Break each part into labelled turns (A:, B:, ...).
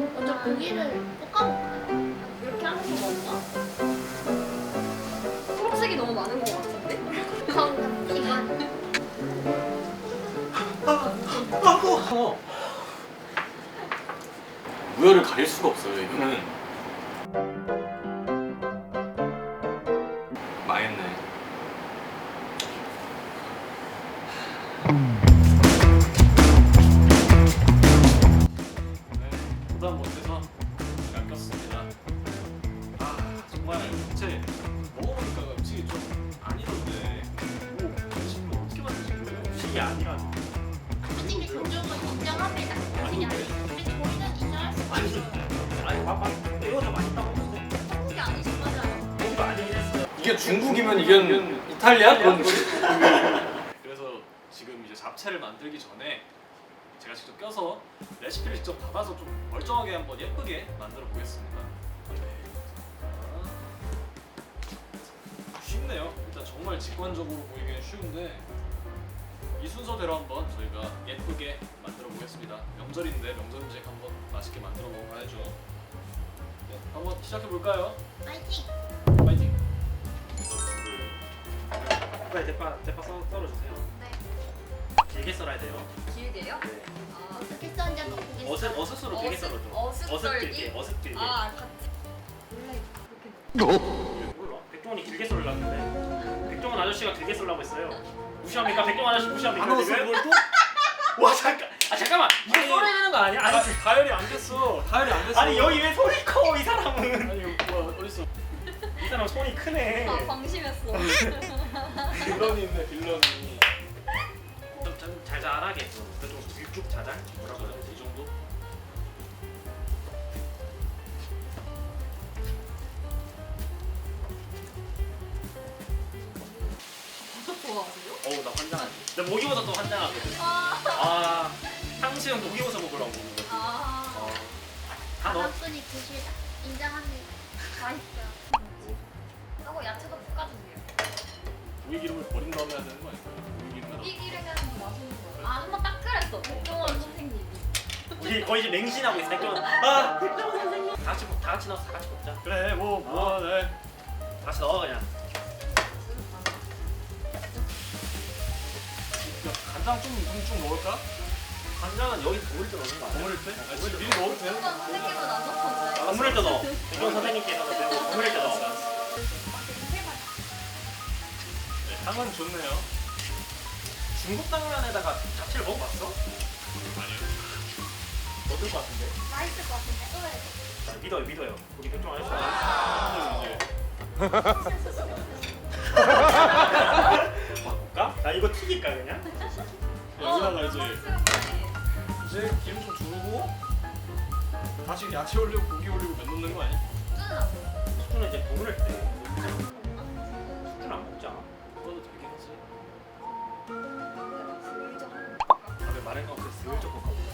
A: 먼저 고기를 볶아볼까요?
B: 이렇게 하는 거 맞나? 초록색이 너무 많은 것 같은데?
A: 정답 이건
C: 우열을 가릴 수가 없어요 이거는. 망했네. 네, 부담 못해서 잘 꼈습니다. 아 정말 대체 먹어보니까 음식이 좀 아니던데 뭐 음식을 어떻게 만드신 거예요? 음식이 아니라
A: 솔직히 종종은 인정합니다. 솔직히 아니 우리는 인정할 수 없어요.
D: 아니 봐봐 이거 더 맛있다고 했는데
A: 솔직히 아니신 거잖아요.
D: 고기도 아니긴 했어요.
C: 이게 중국이면 이건 이탈리아 그런 거지. 그래서 지금 이제 잡채를 만들기 전에 제가 직접 껴서 레시피를 직접 받아서 좀 멀쩡하게 한번 예쁘게 만들어 보겠습니다. 쉽네요. 일단 정말 직관적으로 보이기엔 쉬운데 이 순서대로 한번 저희가 예쁘게 만들어 보겠습니다. 명절인데 명절 음식 한번 맛있게 만들어 먹어봐야죠. 네, 한번 시작해 볼까요?
A: 파이팅!
C: 파이팅!
D: 빨리 대파 썰어주세요.
A: 네.
D: 길게 썰어야 돼요.
B: 길게요?
D: 네.
B: 아,
A: 어떻게 썼는지 한번 보겠습니다.
D: 어슷으로 길게 썰어줘.
B: 어슷썰기?
D: 어슷 길게.
B: 아, 같이. 원래 그렇게
D: 몰라. 백종원이 길게 썰으려는데 백종원 아저씨가 길게 썰라고 했어요. 무시합니까? 백종원 아저씨 무시합니까?
C: 안 넣었어
D: 지금?
C: 그걸 또?
D: 와 잠깐만 이거
C: 아니,
D: 썰어야 되는 거 아니야? 아니,
C: 다혈이 안 됐어. 다혈이 안 됐어.
D: 아니 여기 왜 손이 커 이 사람은?
C: 아니 뭐야 어딨어?
D: 이 사람 손이 크네.
B: 아, 방심했어.
C: 빌런이 있네 빌런이.
D: 좀 자잘하게 좀 길쭉 자잘 뭐라고 해야 되지?
C: 이 정도?
B: 버섯 좋아하세요?
D: 어우 나 환장하지. 나 목이버섯도 환장하거든. 아 탕수육 목이버섯 먹으려고 먹는 거지.
B: 아,
D: 다 넣어.
A: 바닥분이 드시다. 인정합니다. 맛있어요.
B: 하고 야채도 볶아주세요.
C: 고기 기름을 버린 다음에 해야 되는 거 아닐까요? 고기 기름에
B: 이 기름이 하는 거 맛있는 거예요. 아, 한번 딱 그랬어. 백종원 선생님이.
D: 우리 거의 지금 맹신하고 있어. 백종원. 아 백종원 선생님. 다 같이 넣어서 다 같이 먹자.
C: 그래 뭐 네.
D: 다 같이 넣어 그냥.
C: 간장 좀 넣을까?
D: 간장은 여기 버무릴 때 넣는 거 아니야?
C: 버무릴 때? 아, 지금 미리 넣어도 되는
B: 백종원 선생님은 안 넣던데.
D: 버무릴 때 넣어. 백종원 선생님께서 버무릴 때 넣어.
C: 네, 향은 좋네요.
D: 중국 당면에다가 잡채를 먹어봤어?
C: 아니요.
D: 어떨 것 같은데?
A: 맛있을 것 같은데. 또 해야 돼.
D: 믿어요. 우리 백종원 아저씨. 바꿀까? 나 이거 튀길까 그냥?
C: 여기다가 이제 기름 좀 두르고 다시 야채 올리고 고기 올리고 면 넣는 거 아니야?
D: 수준은 이제 버무릴 때 수준 안 먹잖아.
C: 그거도 되긴 하지.
D: 다음에 마른 거 없어 슬쩍 볶아보자.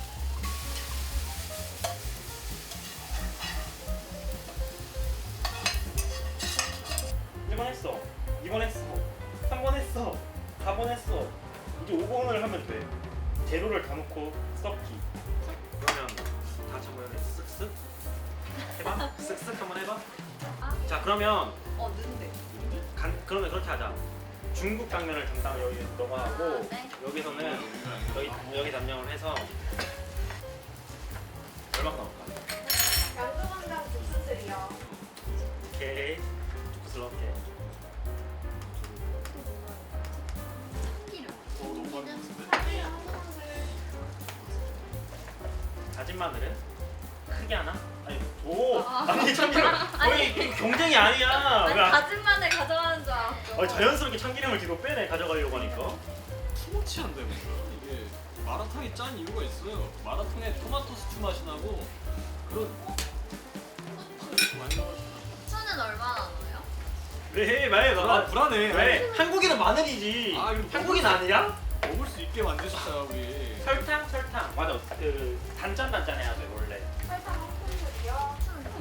D: 일번 했어. 2번 했어. 3번 했어. 4번 했어. 이제 5번을 하면 돼. 재료를 다 넣고 섞기. 그러면 다 같이 한번 쓱쓱 해봐. 쓱쓱 한번 해봐. 자 그러면
B: 넣는데.
D: 그러면 그렇게 하자. 중국 당면을 담당 여기 너가 하고
A: 아, 네.
D: 여기서는 여기 담당을 해서 얼마나 넣을까?
E: 양조간장 국수들이요.
D: 오케이 조그스럽게.
C: 너무 많이 넣었는데?
D: 다진 마늘은 크게 하나? 아니 오
B: 아.
D: 아니 참기름 거의 경쟁이 아니야.
B: 아니,
D: 왜 안-
B: 다진 마늘 가져가는 줄 알았어.
D: 자연스럽게 참기름을 뒤로 빼내 가져가려고 하니까.
C: 투머치한데 뭔가 이게 마라탕이 짠 이유가 있어요. 마라탕에 토마토 스튜 맛이 나고 그런 많이 나가지고.
B: 후추는 얼마나 넣어요?
D: 왜 말?
C: 불안해.
D: 왜? 한국인은 마늘이지.
C: 아, 이거
D: 한국인 아니야?
C: 먹을 수 있게 만드셨다 우리.
D: 설탕 맞아. 그 단짠해야 돼 원래.
E: 설탕 한 스푼이요.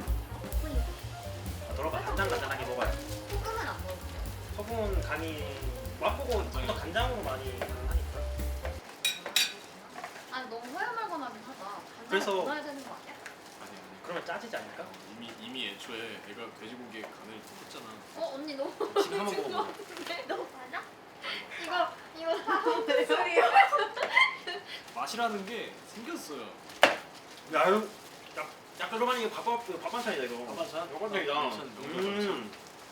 D: 들어봐 단짠하게 먹어야 돼.
B: 소금은 안 넣어요.
D: 소금은 간이 맛보고 보통 간장으로 많이 하니까.
B: 아니, 너무 허여멀건하긴 하다. 간장을
D: 그래서-
B: 넣어야 되는 거 아니야?
C: 아니야.
D: 그러면 짜지지 않을까?
C: 이미 애초에 내가 돼지고기에 간을 했잖아.
B: 언니 너무
D: 지금 한번 먹어봐.
B: 너 맞아? 이거
E: 무슨 소리야?
C: 맛이라는 게 생겼어요.
D: 야 이거 약간 로만 이게 밥 반찬이다 이거.
C: 밥 반찬?
D: 밥 반찬이다.
C: 밥 반찬, 명절 반찬.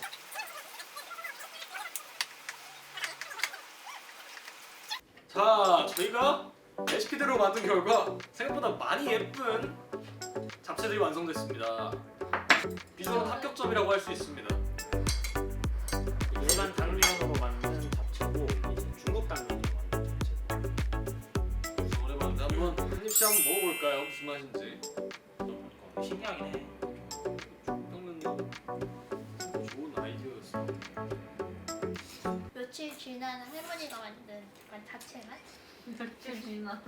C: 자, 저희가 레시피대로 만든 결과 생각보다 많이 예쁜 잡채들이 완성됐습니다. 비주얼은 합격점이라고 할 수 있습니다.
D: 일반 당면으로 만든 잡채고 이제 중국 당면으로 만든 잡채.
C: 오랜만에 한번 한 입씩 한번 먹어볼까요? 무슨 맛인지.
D: 신기하긴 해.
C: 평면 좋은 아이디어였어.
A: 며칠 지난 할머니가 만든 약간 자체 맛?
B: 며칠 지난.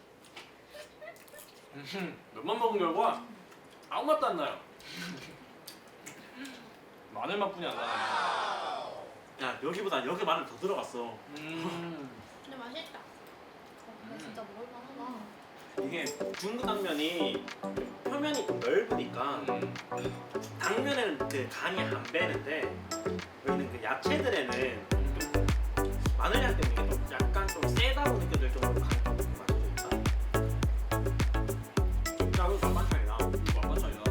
C: 몇만 먹은 결과 아무 맛도 안 나요. 마늘 맛뿐이 안 나요.
D: 야 여기보다 여기 마늘 더 들어갔어.
A: 근데 맛있다.
B: 근데 진짜 먹을만하다.
D: 이게 중국 당면이 표면이 좀 넓으니까 당면에는 그 간이 안 배는데 여기는 그 야채들에는 좀 마늘향 때문에 이게 좀 약간 좀 세다고 느껴질 정도로 간이 좀 맞춰져 있다. 야 이거 반반찬이다.
C: 맛반찬이다.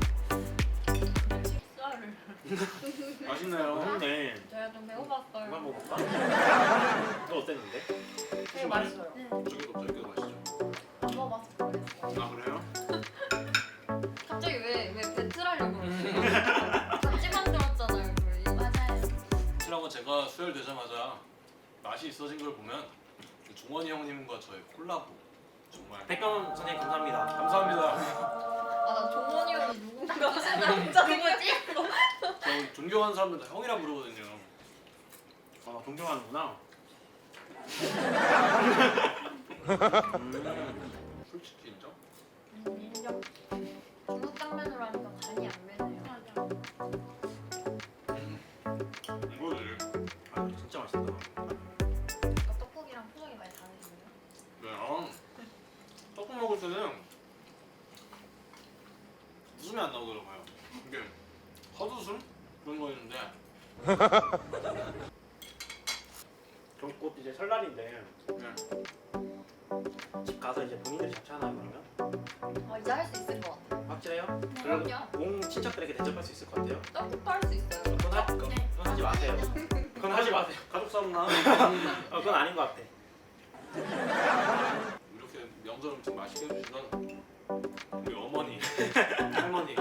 B: 식사를.
C: 맛있네요.
D: 맛있네.
B: 제가 좀 배고팠어요.
D: 그만 먹을까? 너 어땠는데?
B: 되게 맛있어요.
A: 네.
C: 저기도 맛있죠.
B: 안 먹어봐서 모르겠어.
C: 아 그래요?
B: 갑자기 왜 배틀하려고 그러세요? 같이 만들었잖아요, 우리.
A: 맞아요.
C: 확실하고 제가 수혈되자마자 맛이 있어진 걸 보면 그 종원이 형님과 저의 콜라보 정말
D: 백경 선생님 감사합니다.
C: 감사합니다.
B: 나 종원이 형이 누군가 무슨 남자지?
C: 저 존경하는 사람들 다 형이라 부르거든요.
D: 아 존경하는구나.
C: 솔직히 인정?
B: 인정. 중국 당면으로 하니까 간이 안 배네요.
A: 맞아.
C: 이거를
D: 아 진짜 맛있다.
B: 그러니까 떡국이랑 표정이 많이 다르시네요.
C: 네, 떡국 먹을 때는 웃음이 안 나오더라고요. 이게 헛웃음 그런 거 있는데
D: 그럼 곧 이제 설날인데
C: 네.
D: 집 가서 이제 본인들이 잡채 하나 그러면
B: 이제 할 수 있을 것 같아요.
D: 확실해요?
B: 그럼요.
D: 온 친척들에게 대접할 수 있을 것 같아요?
B: 떡국도 할 수 있어요.
D: 그건 하지 마세요. 그건 하지 마세요.
C: 가족 싸움나
D: 그건 아닌 것 같아.
C: 이렇게 명절 음식 맛있게 해주시던 우리 어머니, 할머니